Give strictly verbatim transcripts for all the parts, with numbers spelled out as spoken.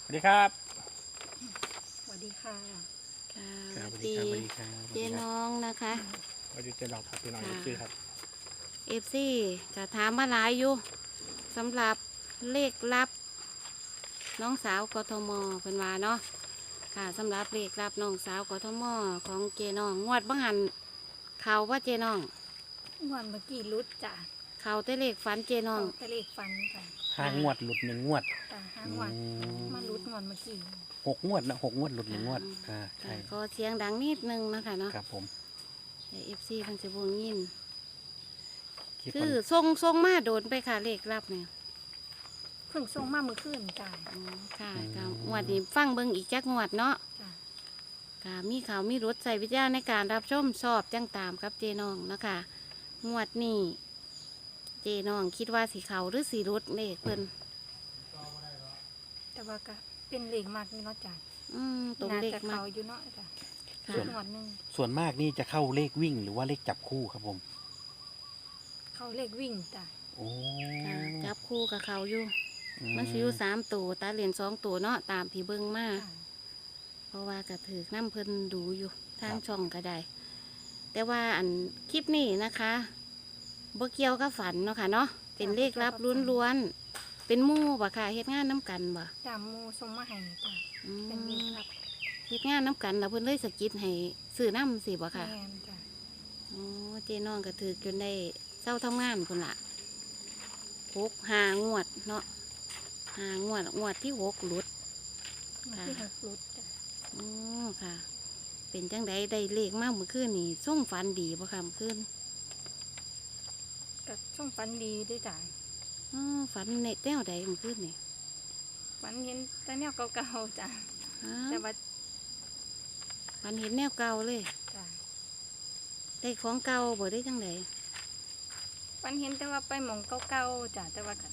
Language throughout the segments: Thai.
สวัสดีครับสวัสดีค่ะค่ะสครับวัสสวัสดีดีครับสวัสดีครับเจ๊น้องนะคะสวัสดีเจ๊น้องครับพี่น้องค่ะเอฟซีครับเอฟซีจะถามมาหลายอยู่สำหรับเลขลับ น้องสาวกทมเป็นว่าเนาะค่ะสำหรับเลขลับน้องสาวกทมของเจน้องงวดบังหันเขาว่าเจน้องงวดเมื่อกี้รุดจ้ะเขาแต่เลขฝันเจน้องตะเลขฟันจ้ะห้างวดหลุดหนึ่งงวดจ้ะห้างวดอืมมารุดงวดเมื่อกี้หกงวดนะหกงวดหลุดหนึ่งงวดอ่าใช่ก็เสียงดังนิดนึงนะคะเนาะครับผมเอฟซีมันจะบวงยินคิดคืว่าอทรงทรงมาโดนไปค่ะเลขลับเนี่ยเพิ่งส่งมาเมื่อคืนจ้ะอ๋อค่ะค่ะงวดนี้ฟังเบิ่งอีกจักงวดเนาะจ้ะค่ะมีข่าวมีรถใส่วิทยาในการรับชมสอบจังตามกับเจน้องนะคะงวดนี้เจน้องคิดว่าสีเขาหรือสีรถเลขเพิ่นแต่ว่าก็เป็นเลขมากนี่เนาะจ้ะอืมตรงน่าเลขจะมาเขาอยู่เนาะจ้ะค่ะรุดงวดหนึงส่วนมากนี่จะเข้าเลขวิ่งหรือว่าเลขจับคู่ครับผมเขาเลขวิ่งจ้ะโอ้ค่ะจับคู่กับเขาอยู่อืมันสิอยู่สามตัวตาเหรียญสองตัวเนาะตามที่เบิ่งมาจ้ะเพราะว่ากระถือน้ำเพิ่นดูอยู่ทางช่องก็ได้ แต่ว่าอันคลิปนี้นะคะบ่เกี่ยวกับฝันเนาะค่ะเนาะเป็นเลขลับล้วนๆเป็นหมู่บ่ค่ะเฮ็ดงานน้ำกันบ่จ้ะหมูส่งมาให้จ้ะอืเป็นเลขมลับเฮ็ดงานน้ำกันแล้วเพิ่นเลยสะกิดให้ซื้อน้ำสิบ่ค่ะแมนจ้ะโอ้เจ๊น้องก็ถือจนได้เศร้าทำงานพุ่นละหกหางวดเนาะหางวดงวดที่หกหลุดงวดที่หกรุดจ้ะโอ้ค่ะ เป็นจังใดได้เลขมากเมื่อคืนนี่ส่งฝันดีบ่ค่ะเมื่อคืนก็ส่งฟันดีด้วยจ้ะอ๋อฝันในแต้วใดเมื่อคืนนี่ฟันเห็นแต่แนวเก่าๆจ้ะอ้าแต่วว่าฝันเห็นแนวเก่าเลยจ้ะได้ของเก่าบ่ได้จังใดฟันเห็นแต่ว่าไปหมองเก่าๆจ้ะแต่ว่าก็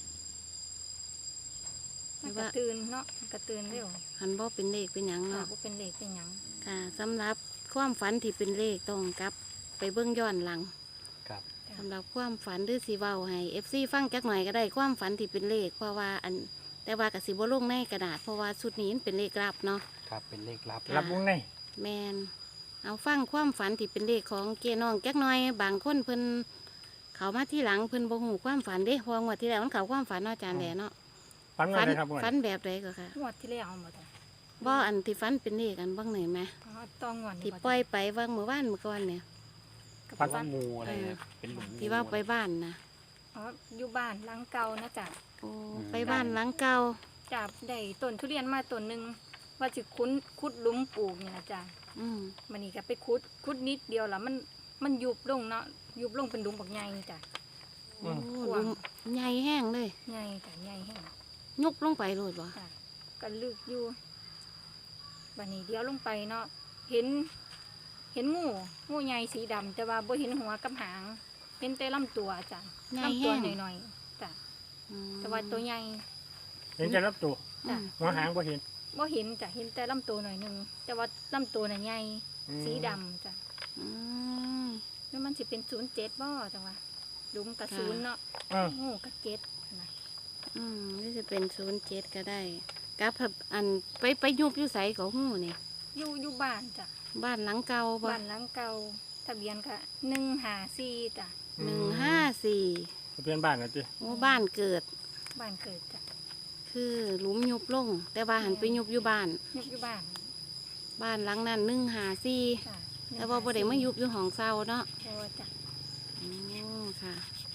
มันกระตือนเนาะมันกระตือนเร็วหันบ่เป็นเลขเป็นหยังค่ะเนาะบ่เป็นเลขเป็นหยังค่ะสำหรับความฝันที่เป็นเลขต้องกลับ ไปเบิ่งย้อนหลังครับสำหรับความฝันหรือสีเว้าให้เอฟซีฟังจักหน่อยก็ได้ความฝันที่เป็นเลขเพราะว่าอันแต่ว่ากับสีบลงในกระดาษเพราะว่าชุดนี้มันเป็นเลขลับเนาะครับเป็นเลขลับค่ะรับวงในแมนเอาฟังความฝันที่เป็นเลขของเกน้องจักหน่อย บางคนเพิ่นเขามาที่หลังเพิ่นบ่ฮู้ความฝันเด้เพองวดที่แล้วมันเขาความฝันเนาะอาจารย์แหล่เนาะฟันว่าอะไรครับงวดฝันแบบใดก็ค่ะงวดที่แล้วเอาหมดจ้ะบ่อันที่ฝันเป็นเลขอันบ้างไหนไหมอ๋อต้องงวดนี่ที่บ่จ้ะปล่อยไปว่างเมื่อวานเมื่อก่อนเนี่ยกับฟันฟัว่าน งูอะไรนะเป็นหลุมงูที่ว่าไปบ้านนะอ๋ออยู่บ้านหลังเก่านะจ้ะโอ้ไปบ้านหลังเก่าจับได้ต้นทุเรียนมาต้นหนึงว่าสิคุ้นขุดหลุมปลูกนี่นะจ้ะอืมมันนี่ก็ไปขุดขุดนิดเดียวแล้วมันมันยุบลงเนาะยุบลงเป็นหลุมบักใหญ่จ้ะโอ้ลุมใหญ่แห้งเลยใหญ่จ้ะใหญ่แห้งยุบลงไปโลดบ่จ้ะก็ลึกอยู่บัดนี้เดียวลงไปเนาะเห็น เห็นงูงูใหญ่สีดำแต่ว่าบ่เห็นหัวกับหาง เห็นแต่ลำตัวจ้ะใหญ่ลำตัแห้วงหน่อยๆจ้ะอืมแต่ว่าตัวใหญ่เห็นจะรับตัวอืจ้ะมหัวหางก็เห็นบ่เห็นจ้ะเห็นแต่ลำตัวหน่อยหนึงแต่ว่าลำตัวน่ะใหญ่อืมสีดำจ้ะอืมแล้วมันสิเป็นศูนย์เจ็ดบ่จังวะหลุมกับศูนย์เนาะเอองูกับเจ็ดนะอืมนี่จะเป็นศูนย์เจ็ดก็ได้กับอันไปไปยุบอยู่ใสของหูนี่อยู่อยู่บ้านจ้ะบ้านหลังเก่าบ่บ้านหลังเก่าทะเบียนก็หนึ่งห้าสี่จ้ะหนึ่งห้าสี่ทะเบียนบ้านนะจีโอ้บ้านเกิดบ้านเกิดจ้ะคือหลุมยุบลง แต่ว่าหันไปยุบอยู่บ้านยุบอยู่บ้านบ้านหลังนั้นหนึ่งหาสี่จ้ะแต่ว่าบ่ได้มายุบอยู่ห้องเศร้าเนาะโอ้จ้ะโอ้ค่ะ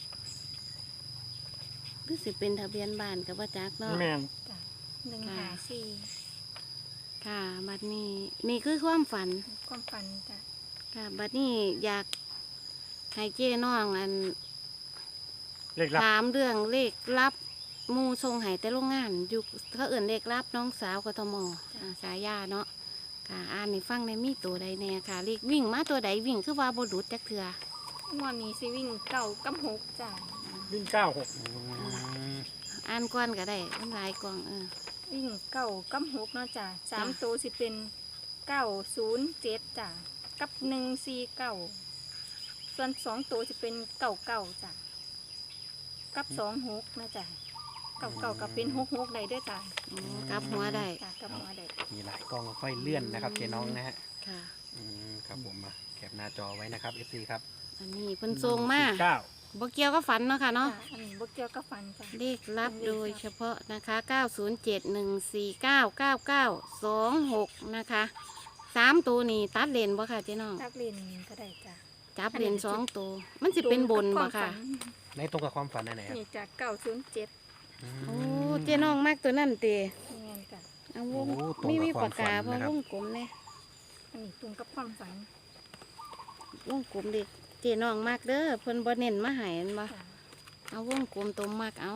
รู้สึกเป็นทะเบียนบ้านกับว่าจักเนาะแมนจ้ะหนึ่งห้าสี่ค่ะ บัดนี้นี่คือความฝันความฝันจ้ะค่ะ บัดนี้อยากให้เจ้น้องอันเลขลับถามเรื่องเลขลับหมูทรงไห้แต่โรงงานอยู่เขาเอื่นเลขลับน้องสาวกทมอ่าสายาเนาะค่ะอ่านในฟังในมีตัวใดแน่ค่ะเลขวิ่งมาตัวใดวิ่งคือว่าบดุดจักเถืองวดนี้สิวิ่งเก่ากับหกจ้ะวิ่งเก้าหกอ่านก่อนก็ได้มันหลายกล่องเออวิ่งเก่ากับหกเนาะจ้ะสามตัวสิเป็นเก้าศูนย์เจ็ดจ้ะกับหนึ่งสี่เก้าส่วนสองตัวสิเป็นเก้าเก้าจ้ะกับสองหกนะจ้ะเก่าเก่ากับเป็นหกหกได้ด้วยจ้ะอ๋อ กลับหัวได้จ้ะกับหัวได้มีหลายกล้องค่อยเลื่อนนะครับเจ๊น้องนะฮะค่ะอืมครับผมมาแคปหน้าจอไว้นะครับ เอฟ ซี ครับอันนี้เพิ่นทรงมาเก้าบ่เกี่ยวกับฝันเนาะค่ะเนาะจ้ะอันนี้บกเกี่ยวกับฟันจ้ะเลขลับโดยเฉพาะนะคะ เก้าศูนย์เจ็ด หนึ่งสี่เก้า เก้าเก้า สองหก นะคะสามตัวนี้ตัดเลนบ่ค่ะเจ๊น้องตักเรียนก็ได้จ้ะจับเลนสองตัว มันสิเป็นบนบ่ค่ะในตรงกับความฝันไหนครับนี่จากเก้าศูนย์เจ็ดอืมโอ้เจ๊น้องมากตัวนั่นเตะเงี้ยจ้ะเอาวงโอ้ตรงกับมีมีควาปาม กกาฝันเพราะนะครับวงกลมเนี่ยวอันนี้ตรงกับความฝันวงกลมเด็กเจ๊น้องมากเด้อเพิ่นบ่เน้นมาให้อันบ่จ้ะเอาวงกลมตัวมากเอา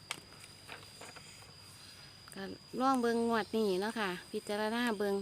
ก็ล่องเบิงงวดนี่เนาะค่ะ พิจารณาเบิง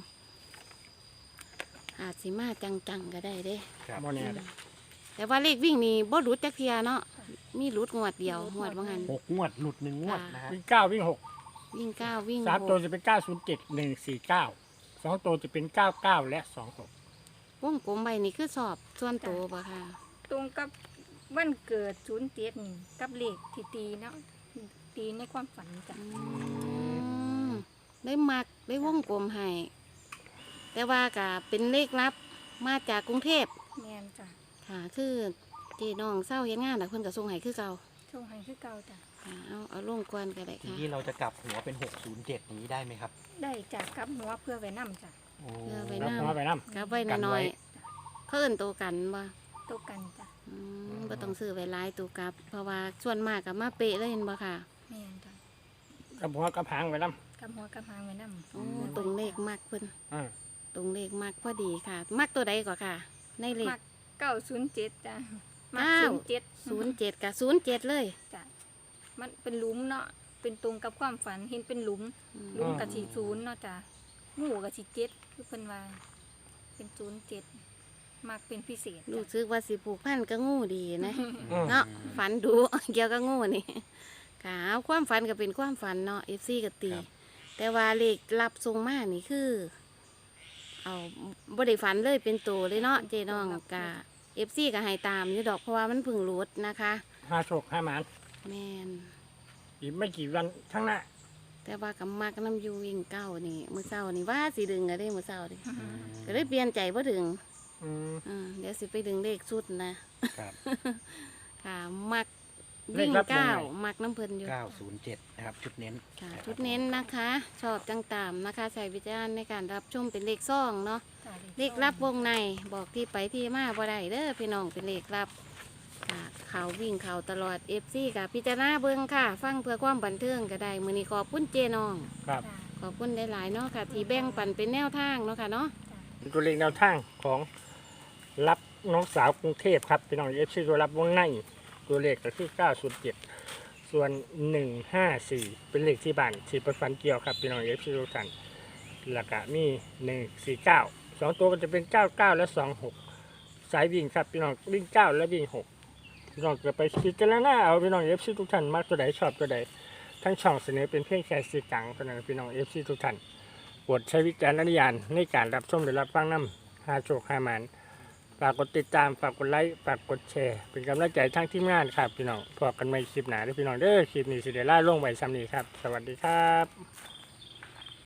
อาจสิมาจังๆก็ได้เด้ครับโมเนียเด้อแต่ว่าเลขวิ่งนี่บ่หลุดจักเทียเนาะมีหลุดงวดเดียวงวดว่างั้นหกงวดหลุดหนึ่งงวดนะฮะวิ่งเก้าวิ่งหกวิ่งเก้าวิ่งสามหตัวกจะเป็นเก้าศูนย์เจ็ดหนึ่งสี่เก้าสองตัวจะเป็นเก้าเก้าและสองหกวงกลมใบนี่คือสอบส่วนตัวปะค่ะตรงกับวันเกิดศูนย์เจ็ดนี่กับเลขที่ตีเนาะตีในความฝันจ้ะอืมได้มักได้วงกลมให้แต่ว่าก็เป็นเลขลับมาจากกรุงเทพแม่นจ้ะค่ะคือเจีน้องเศร้าเฮ็ดงานแต่เพิ่นก็ส่งให้คือเก่าช่วงให้คือเก่าจ้ะค่ะเอาเอาลงกวนก็ได้ทีค่ะนี้เราจะกลับหัวเป็นหกศูนย์เจ็ดนี้ได้ไหมครับได้จากกับหัวเพื่อไว้นำจ้ะโอ้เพื่อไว้แล้วนำพอไปน้กลับไว้น้อยๆเพิ่นโตวกันบ่ตกกันจ้ะอืมบ่ต้องซื้อไว้หลายตัวกลับ เพราะว่าส่วนมากก็มาเป๊ะเลยเห็นบ่ค่ะแม่นจ้ะำกับหัวกับหางไปน้กับหัวกับหางไว้นำโอ้ตรงเลขมักเพิ่นำอ่าตรงเลขมักพอดีค่ะ มักตัวใดก่อนค่ะ ในเลขมักเก้าศูนย์เจ็ดจ้ะมักเก้าศูนย์เจ็ดศูนย์เจ็ดกับศูนย์เจ็ดเลยจ้ะมันเป็นหลุมเนาะเป็นตรงกับความฝันเห็นเป็นหลุม หลุมกับสีศูนย์เนาะจ้ะงูกับสีเจ็ดคือเพิ่นว่าเป็นศูนย์เจ็ดมักเป็นพิเศษรู้จ้ะสึกว่าสิผูกพันก็งูดีนะอืมเนาะฝันดู เกี่ยวกับงูนี่ค่ะเอาความฝันก็เป็นความฝันเนาะเอฟซีก็ตี แต่ว่าเลขรับทรงมานี่คือ เอาบ่ได้ฝันเลยเป็นตัวเลยเนาะเจน้องกะเอฟซีก็ให้ตามอยู่ดอกเพราะว่ามันเพึ่งรุดนะคะห้าโชคห้าหมานแมนอีกไม่กี่วันข้างหน้าแต่ว่ากับมักน้ำอยูวิ่งเก้านี่มือเศร้านี่ว่าสิดึงก็ได้มือเศร้าดิอืมก็เลยเปลี่ยนใจบ่ดึงอืมอ่าเดี๋ยวสิไปดึงเลขสุดนะครับค่ะ มักวิ่งเก้ามักน้ำเพลินอยู่เก้าศูนย์เจ็ดนะครับชุดเน้นค่ะนะครับชุดเน้นนะคะ ชอบจังตามนะคะ ใส่วิจารณ์ในการรับชมเป็นเลขซ่องเนาะจ้ะเลขรับวงในบอกที่ไปที่มาบ่ได้เด้อพี่น้องเป็นเลขรับค่ะเขาวิ่งเขาตลอดเอฟซีค่ะ พิจารณาเบิ่งค่ะ ฟังเพื่อความบันเทิงก็ได้มือนี้ขอบคุณเจน้องครับจ้ะขอบคุณหลายๆเนาะค่ะ ที่แบ่งปันเป็นแนวทางเนาะค่ะเนาะจ้ะตัวเลขแนวทางของรับน้องสาวกรุงเทพครับพี่น้องเอฟซีตัวรับวงในตัวเลขก็คือเก้าศูนย์เจ็ดส่วนหนึ่งห้าสี่เป็นเลขที่บ้านที่ประฟันเกี่ยวครับพี่น้องเอฟซีทุกท่านแล้วก็มีหนึ่งสี่เก้าสองตัวก็จะเป็นเก้าเก้าและสองหกสายวิ่งครับพี่น้องวิ่งเก้าและวิ่งหกพี่น้องจะไปคิดกันแล้วนะเอาพี่น้องเอฟซีทุกท่านมักตัวใดชอบตัวใดทั้งช่องเสนอเป็นเพียงแค่สื่อกลางเท่านั้นพี่น้องเอฟซีทุกท่านโปรดใช้วิจารณญาณในการรับชมหรือรับฟังน้ำหาโชคหาหมานฝากกดติดตามฝากกดไลค์ฝากกดแชร์เป็นกำลังใจทั้งทีมงานครับพี่น้องพบกันใหม่คลิปหน้าเด้อพี่น้องเด้อคลิปนี้สิเดล่าลงไว้ซ้ำนี้ครับสวัสดีครับ